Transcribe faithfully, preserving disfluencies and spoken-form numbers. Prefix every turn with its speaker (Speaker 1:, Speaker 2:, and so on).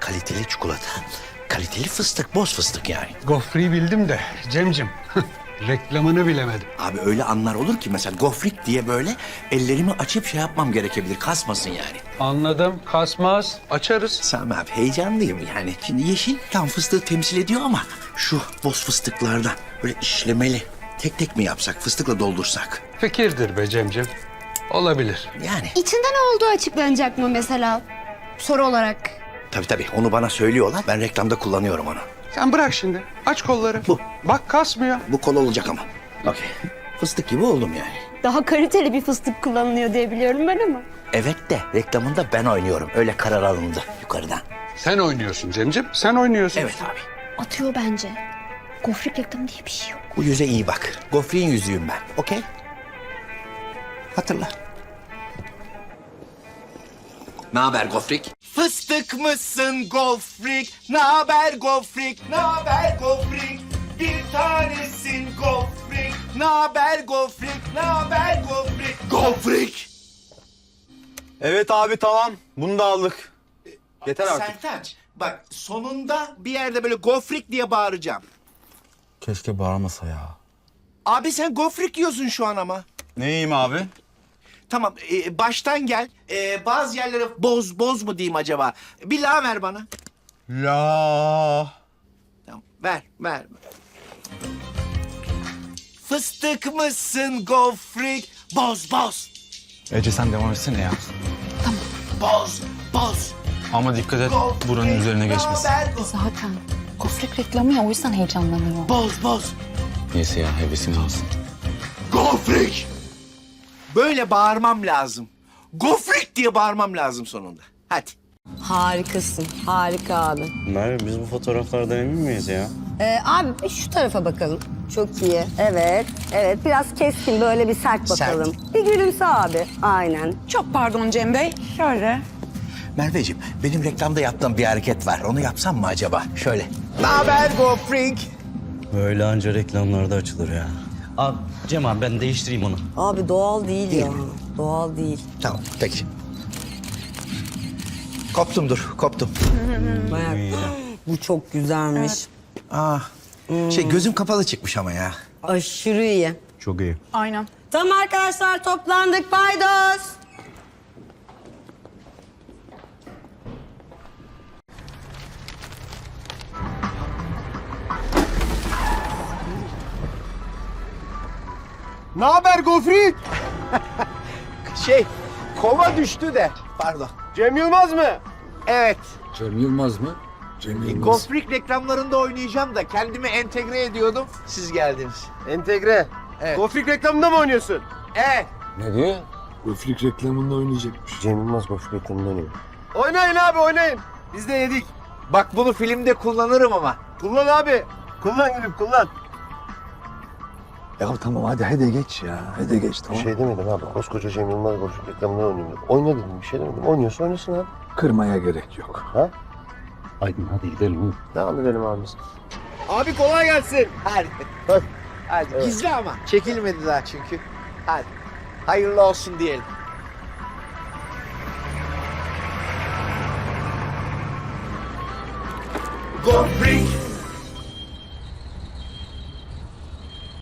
Speaker 1: kaliteli çikolata. Kaliteli fıstık, boz fıstık yani.
Speaker 2: Gofreyi bildim de Cemcim reklamını bilemedim.
Speaker 1: Abi öyle anlar olur ki mesela gofrik diye böyle ellerimi açıp şey yapmam gerekebilir. Kasmasın yani.
Speaker 2: Anladım, kasmaz, açarız.
Speaker 1: Sami abi heyecanlıyım yani. Şimdi yeşil tam fıstığı temsil ediyor ama şu boz fıstıklardan böyle işlemeli. Tek tek mi yapsak, fıstıkla doldursak?
Speaker 2: Fikirdir be Cemcim. Olabilir.
Speaker 1: Yani
Speaker 3: İçinde ne olduğu açıklanacak mı mesela? Soru olarak.
Speaker 1: tabii tabii onu bana söylüyorlar. Ben reklamda kullanıyorum onu.
Speaker 2: Sen bırak şimdi. Aç kolları.
Speaker 1: Bu.
Speaker 2: Bak kasmıyor.
Speaker 1: Bu kol olacak ama. Okey. Fıstık gibi oldum yani.
Speaker 3: Daha kaliteli bir fıstık kullanılıyor diye biliyorum ben ama.
Speaker 1: Evet de reklamında ben oynuyorum. Öyle karar alındı yukarıdan.
Speaker 2: Sen oynuyorsun Cemcim. Sen oynuyorsun.
Speaker 1: Evet abi.
Speaker 3: Atıyor bence. Gofrik reklamı diye bir şey yok.
Speaker 1: Bu yüze iyi bak. Gofrik'in yüzüğüm ben. Okey? Hatırla. Ne haber Gofrik? Fıstık mısın Gofrik? Ne haber Gofrik? Ne haber Gofrik? Bir tanesin Gofrik. Ne haber Gofrik? Ne haber Gofrik? Gofrik!
Speaker 4: Evet abi tamam. Bunu da aldık. Yeter artık.
Speaker 1: Sertaç, bak sonunda bir yerde böyle Gofrik diye bağıracağım.
Speaker 4: Keşke bağırmasa ya.
Speaker 1: Abi sen Gofrik yiyorsun şu an ama.
Speaker 4: Neyim abi?
Speaker 1: Tamam, e, baştan gel. E, bazı yerlere boz, boz mu diyeyim acaba? Bir la ver bana.
Speaker 4: La.
Speaker 1: Tamam, ver, ver. Fıstık mısın Gofrik? Boz, boz.
Speaker 4: Ece sen devam etsene ya.
Speaker 1: Boz, boz.
Speaker 4: Ama dikkat et
Speaker 1: Gofrik,
Speaker 4: buranın üzerine geçmesin.
Speaker 1: ne haber Go-
Speaker 5: Zaten gofret reklamı ya o yüzden heyecanlanıyor.
Speaker 1: Boz, boz.
Speaker 4: Neyse ya hevesini alsın.
Speaker 1: Gofrik! Böyle bağırmam lazım. Gofrik diye bağırmam lazım sonunda. Hadi.
Speaker 6: Harikasın. Harika abi.
Speaker 7: Merve biz bu fotoğraflardan emin miyiz ya?
Speaker 6: Ee, abi bir şu tarafa bakalım. Çok iyi. Evet. Evet. Biraz keskin böyle bir sert bakalım. Bir gülümse abi. Aynen.
Speaker 5: Çok pardon Cem Bey. Şöyle.
Speaker 1: Merveciğim, benim reklamda yaptığım bir hareket var. Onu yapsam mı acaba? Şöyle. Ne haber Gofrik?
Speaker 7: Böyle anca reklamlarda açılır ya. Abi Cem abi ben değiştireyim onu.
Speaker 6: Abi doğal değil,
Speaker 1: Değil
Speaker 6: ya.
Speaker 1: mi?
Speaker 6: Doğal değil.
Speaker 1: Tamam, peki. Koptum dur, koptum.
Speaker 6: Bayağı. Bu çok güzelmiş.
Speaker 1: Aa, şey gözüm kapalı çıkmış ama ya.
Speaker 6: Aşırı iyi.
Speaker 4: Çok iyi.
Speaker 5: Aynen.
Speaker 6: Tamam arkadaşlar toplandık. Paydos.
Speaker 8: Ne haber Gofrik?
Speaker 1: Şey, kova düştü de. Pardon.
Speaker 8: Cem Yılmaz mı?
Speaker 1: Evet.
Speaker 2: Cem Yılmaz mı? Cem Yılmaz.
Speaker 1: Gofrik reklamlarında oynayacağım da kendimi entegre ediyordum. Siz geldiniz.
Speaker 8: Entegre.
Speaker 1: Evet.
Speaker 8: Gofrik reklamında mı oynuyorsun?
Speaker 1: Evet.
Speaker 2: Ne diyor?
Speaker 9: Gofrik reklamında oynayacakmış.
Speaker 7: Cem Yılmaz Gofret reklamında oynuyor.
Speaker 8: Oynayın abi oynayın. Biz de yedik.
Speaker 1: Bak bunu filmde kullanırım ama.
Speaker 8: Kullan abi. Kullan gülüm kullan.
Speaker 9: Ya tamam hadi hadi geç ya. Hadi geç
Speaker 7: Bir
Speaker 9: tamam.
Speaker 7: şey demedim abi. Koskoca Cem Yılmaz Gofret reklamında oynuyor. Oyna dedim bir şey demedim. Oynuyorsa oynasın abi.
Speaker 9: Kırmaya gerek yok.
Speaker 7: Ha? Aydın hadi gidelim. Devam edelim abi biz.
Speaker 8: Abi kolay gelsin.
Speaker 1: Hadi. Hadi. Gizli ama. Çekilmedi daha çünkü. Hadi. Hayırlı olsun diyelim. Gofrik